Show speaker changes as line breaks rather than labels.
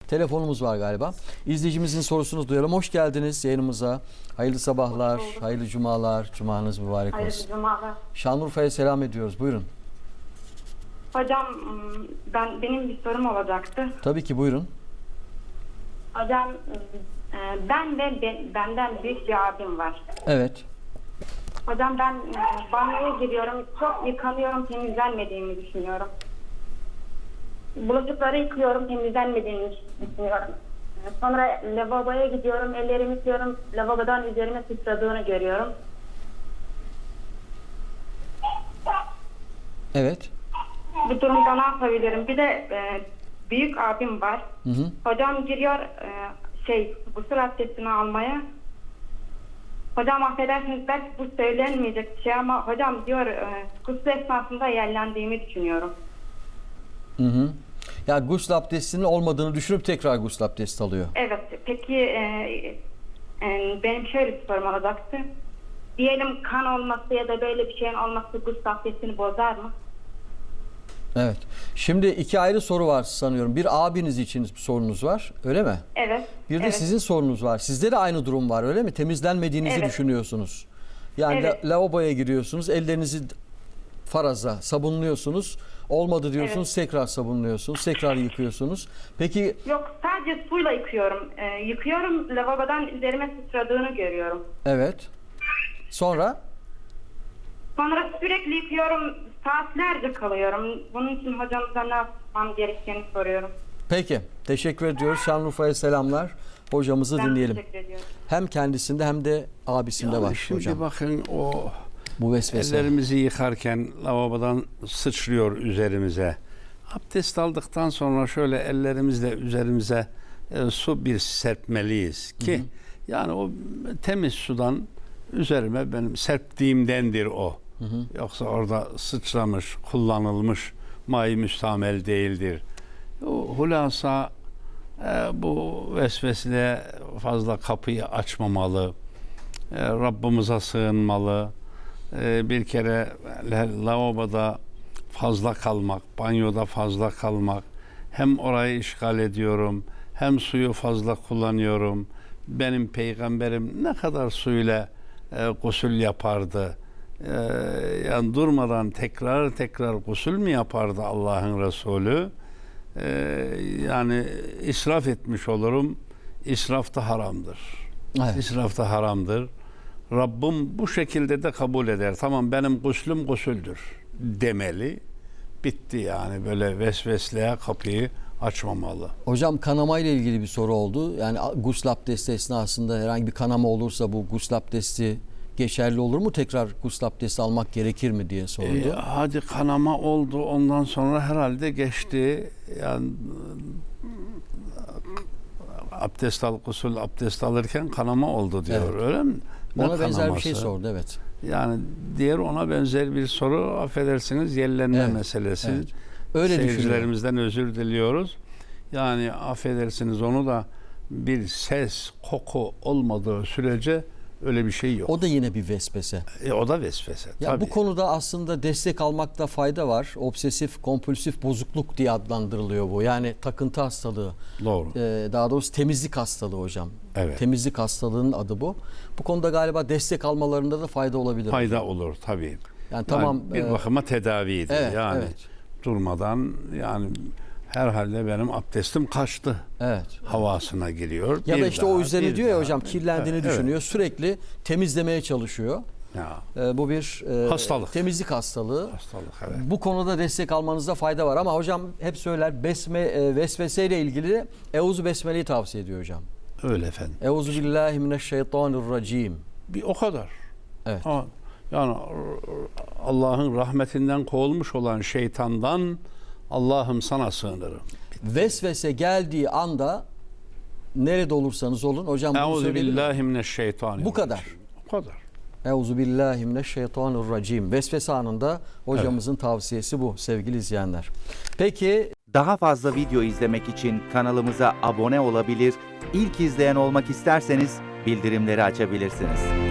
Telefonumuz var galiba. İzleyicimizin sorusunu duyalım. Hoş geldiniz yayınımıza. Hayırlı sabahlar, hayırlı cumalar. Cumanız mübarek olsun.
Hayırlı cumalar.
Şanlıurfa'ya selam ediyoruz. Buyurun.
Hocam benim bir sorum olacaktı.
Tabii ki buyurun.
Hocam benden büyük bir abim var.
Evet.
Hocam ben banyoya giriyorum. Çok yıkanıyorum, temizlenmediğimi düşünüyorum. Bulaşıkları yıkıyorum, temizlenmediğini düşünüyorum. Sonra lavaboya gidiyorum, ellerimi yıkıyorum. Lavabodan üzerime sıçradığını görüyorum.
Evet.
Bu durumda ne yapabilirim? Bir de büyük abim var.
Hı hı.
Hocam giriyor gusül abdestini almaya. Hocam affedersiniz, belki bu söylenmeyecek bir şey ama hocam diyor gusül esnasında yerlendiğimi düşünüyorum.
Hı hı. Ya gusül abdestinin olmadığını düşünüp tekrar gusül abdesti alıyor.
Evet. Peki benim şöyle bir sorum olacaktı. Diyelim kan olması ya da böyle bir şeyin olması gusül abdestini bozar mı?
Evet. Şimdi iki ayrı soru var sanıyorum. Bir abiniz için bir sorunuz var, öyle mi?
Evet.
Bir de
evet.
sizin sorunuz var. Sizde de aynı durum var, öyle mi? Temizlenmediğinizi
Evet.
düşünüyorsunuz. Yani
Evet.
lavaboya giriyorsunuz, ellerinizi faraza sabunluyorsunuz. Olmadı diyorsunuz, tekrar sabunluyorsunuz, tekrar yıkıyorsunuz. Peki
Yok, sadece suyla yıkıyorum. Yıkıyorum, lavabodan üzerime sıçradığını görüyorum.
evet. Sonra
Sonra sürekli yıkıyorum, saatlerce kalıyorum. Bunun için hocamıza ne yapmam gerektiğini soruyorum.
peki teşekkür ediyoruz. Şanlıurfa'ya selamlar. Hocamızı
Ben
dinleyelim.
teşekkür ediyorum.
Hem kendisinde hem de abisinde
Yani
var
şimdi
hocam.
bakın o
Bu vesvese.
ellerimizi yıkarken lavabodan sıçrıyor üzerimize. Abdest aldıktan sonra şöyle ellerimizle üzerimize su bir serpmeliyiz ki yani o temiz sudan üzerime benim serptiğimdendir o. Yoksa orada sıçramış, kullanılmış may müstamel değildir. O hulasa bu vesveseye fazla kapıyı açmamalı. Rabbimize sığınmalı. Bir kere lavaboda fazla kalmak, banyoda fazla kalmak, hem orayı işgal ediyorum, hem suyu fazla kullanıyorum. Benim peygamberim ne kadar suyla gusül yapardı. Yani durmadan tekrar gusül mü yapardı Allah'ın Resulü? Yani israf etmiş olurum. İsraf da haramdır.
Evet.
İsraf da haramdır. Rabbim bu şekilde de kabul eder. Tamam, benim guslüm gusüldür demeli. Bitti yani, böyle vesvesleye kapıyı açmamalı.
Hocam kanama ile ilgili bir soru oldu. Yani gusül abdesti esnasında herhangi bir kanama olursa bu gusül abdesti geçerli olur mu? Tekrar gusül abdesti almak gerekir mi diye soruldu.
Hadi kanama oldu, ondan sonra herhalde geçti. Yani gusül abdest alırken kanama oldu diyor.
Evet.
Öyle mi? Ne
Ona benzer bir şey
kanaması?
sordu, evet.
Yani diğer ona benzer bir soru, affedersiniz, yerlenme
Evet,
meselesi.
evet. Öyle
Seyircilerimizden özür diliyoruz. Yani affedersiniz, onu da bir ses, koku olmadığı sürece öyle bir şey yok.
O da yine bir vesvese.
O da vesvese.
Ya
tabii.
bu konuda aslında destek almakta fayda var. Obsesif kompulsif bozukluk diye adlandırılıyor bu. Yani takıntı hastalığı.
Doğru.
Daha doğrusu temizlik hastalığı hocam.
Evet.
Temizlik hastalığının adı bu. Bu konuda galiba destek almalarında da fayda olabilir.
Fayda olur tabii.
Yani tamam.
Bir bakıma tedavidir.
Evet,
yani
evet.
durmadan, yani herhalde benim abdestim kaçtı
Evet.
havasına giriyor.
Ya
Bir
da işte
daha,
o üzerine
bir
diyor ya
daha.
hocam, kirlendiğini
Evet,
düşünüyor. Sürekli temizlemeye çalışıyor.
Ya,
Bu bir
hastalık.
temizlik hastalığı.
hastalık, evet.
Bu konuda destek almanızda fayda var ama hocam hep söyler vesveseyle ilgili Euzu Besmele'yi tavsiye ediyor hocam.
Öyle efendim.
Euzu billahi mineşşeytanirracim.
Bir o kadar.
Evet.
Yani Allah'ın rahmetinden kovulmuş olan şeytandan Allah'ım sana sığınırım.
Vesvese geldiği anda nerede olursanız olun hocam bunu
Euzu
söyleyelim.
billahi mineşşeytanirracim.
Bu kadar.
Bu kadar.
Euzu billahi mineşşeytanirracim. Vesvese anında hocamızın tavsiyesi bu sevgili izleyenler. Peki
Daha fazla video izlemek için kanalımıza abone olabilir, ilk izleyen olmak isterseniz bildirimleri açabilirsiniz.